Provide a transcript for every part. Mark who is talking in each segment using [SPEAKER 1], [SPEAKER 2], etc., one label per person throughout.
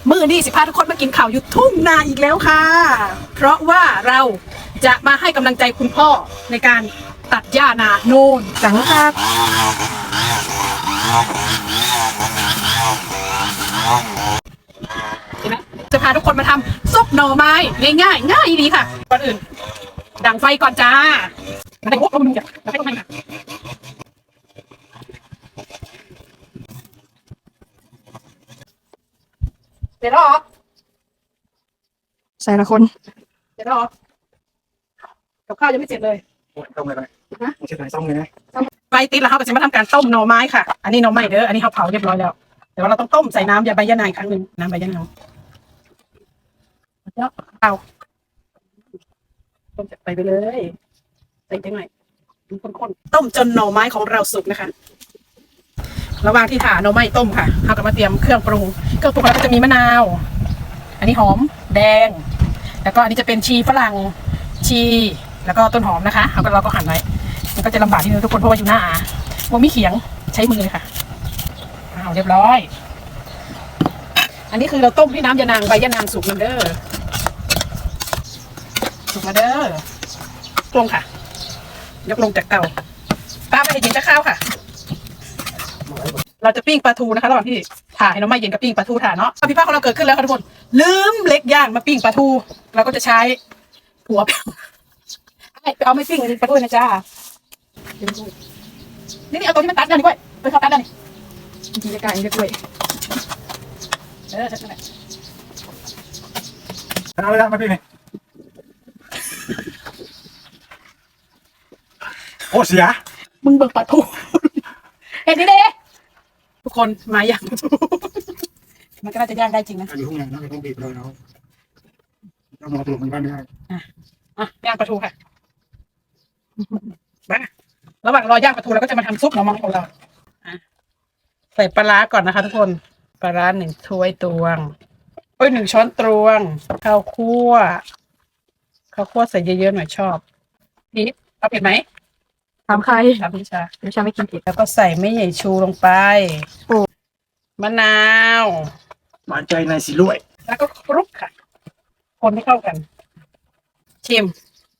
[SPEAKER 1] มื้อนี้สิพาทุกคนมากินข้าวอยู่ทุ่งนาอีกแล้วค่ะเพราะว่าเราจะมาให้กำลังใจคุณพ่อในการตัดหญ้านาโน่นจังครับเห็นไหมจะพาทุกคนมาทำซุปหน่อไม้ง่ายๆง่ายดีค่ะก่อนอื่นดังไฟก่อนจ้ามาให้พวกเราดูจ้ะมาให้ต้องให้ค่ะเสร็จแล้วเหรอ
[SPEAKER 2] ใส่ละคน
[SPEAKER 1] เสร็จแล้วเหรอกับข้าวยังไม่เสร็จเลย
[SPEAKER 3] ต้มเลยไหมไม่ใช่ไหนต้มเลยนะ
[SPEAKER 1] ไฟติดแล้วเขาก็จะมาทำการต้มหน่อไม้ค่ะอันนี้หน่อไม้เด้ออันนี้เขาเผาเรียบร้อยแล้วแต่ว่าเราต้องต้มใส่น้ำยาใบยะนางครั้งหนึ่งน้ำใบยะนางแล้วเอาต้มจากไปเลยใส่จังหน่อยข้นๆต้มจนหน่อไม้ของเราสุกนะคะระหว่างที่ถ่าหน่อไม้ต้มค่ะเขาก็มาเตรียมเครื่องปรุงเราก็จะมีมะนาวอันนี้หอมแดงแล้วก็อันนี้จะเป็นชีฝรั่งชีแล้วก็ต้นหอมนะคะเราก็หั่นไว้มันก็จะลำบากนิดนึงทุกคนเพราะว่าอยู่หน้าว่ามีเขียงใช้มือเลยค่ะเรียบร้อยอันนี้คือเราต้มที่น้ำยานางใบยะนางสุกแล้วเด้อสุกแล้วเด้อลงค่ะยกลงจากเตาป้าไม่ให้เย็นจะข้าวค่ะเราจะปิ้งปลาทูนะคะระหว่างที่ถ่ายน้ำไม่เย็นกับปิ้งปลาทูถ่ายเนาะพี่ป้าของเราเกิดขึ้นแล้วค่ะทุกคนลืมเล็กย่างมาปิ้งปลาทูเราก็จะใช้หัวไปเอาไม่ปิ้งปลาทูนะจ้านี่เอาตัวที่มันตัดได้ดีกว่าไปเข้าตัดได้นี่จีจะกลายเป็นกล้วยใช่ไหม
[SPEAKER 3] เอาเลยนะมาพี่นี่โอ้เสีย
[SPEAKER 1] มึงเบิกปลาทูเห็นดิเด้ทุกคนมาย่างปลาทูมันก็น่าจะย่างได้จริงนะ
[SPEAKER 3] อยู่ห้องไหนนะต้องบีบเลยเนาะต้องมองตัวมันบ้านได้
[SPEAKER 1] ย่างปลาทูค่ะมาระหว่างรอย่างปลาทูเราก็จะมาทำซุปหน่อไม้ของเราใส่ปลาร้าก่อนนะคะทุกคนปลาร้า1 ถ้วยตวง1 ช้อนตวงข้าวคั่วใส่เยอะๆหน่อยชอบพริกเอาเผ็ดไหม
[SPEAKER 2] ถามใคร
[SPEAKER 1] ถามพี่ชา
[SPEAKER 2] ไม่กินเผ็ด
[SPEAKER 1] แล้วก็ใส่ไม่ใหญ่ชูลงไปมะนาว
[SPEAKER 3] หวานใจในสีรวย
[SPEAKER 1] แล้วก็คลุกค่ะคนให้เข้ากันชิม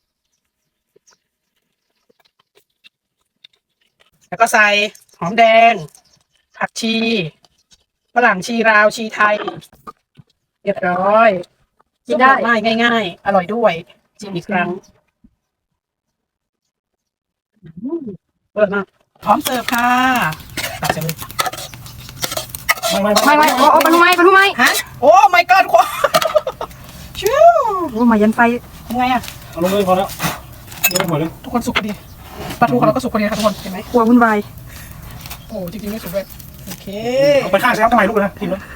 [SPEAKER 1] แล้วก็ใส่หอมแดงผักชีฝรั่งชีลาวชีไทยเรียบร้อยกินได้ง่ายๆอร่อยด้วยชิมอีกครั้งเปิดมาพร้อมเสิร์ฟค่ะตักเสร็จเลย
[SPEAKER 2] ไม่ปลาทูไหม
[SPEAKER 1] ฮะโอ้ my god ควาชิว
[SPEAKER 2] โอ้มายันไฟ
[SPEAKER 1] ยังไงอะ
[SPEAKER 3] เอาลงเลยพอแล้วเดี๋ยวหมดเลย
[SPEAKER 1] ทุกคนสุกพอดีปลาทูของเราก็สุกพอดีค่ะทุกคนเห็นไหม
[SPEAKER 2] กลัววุ่นวาย
[SPEAKER 1] โอ้จริงๆไม่สุกเลยโอเค
[SPEAKER 3] เอาไปข้างเช้าทำไมลูกนะทีนี้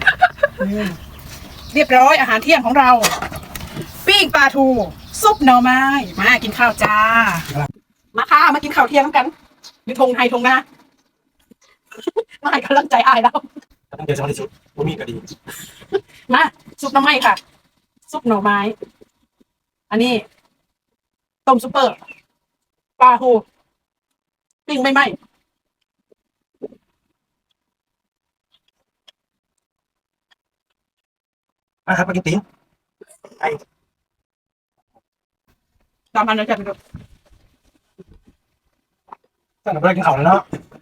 [SPEAKER 1] เรียบร้อยอาหารเที่ยงของเราปิ้งปลาทูซุปหน่อไม้มากินข้าวจ้ามาค่ะมากินข้าวเที่ยงกันอยู่ทงไทยทงนามาให้กำลังใจอายแล้ว
[SPEAKER 3] ตั้งใจสมาธิสุดว่ามีก็ดี
[SPEAKER 1] มาซุปหน่อไม้ค่ะซุปหน่อไม้อันนี้ต้มซุปเปอร์ปลาทูปิ้งไม่ไหม
[SPEAKER 3] ครับมากินตีนไอ้
[SPEAKER 1] ตามอันนั้นจะไปดู
[SPEAKER 3] ตั้งแต่เริ่มกินข้าวแล้วเนาะ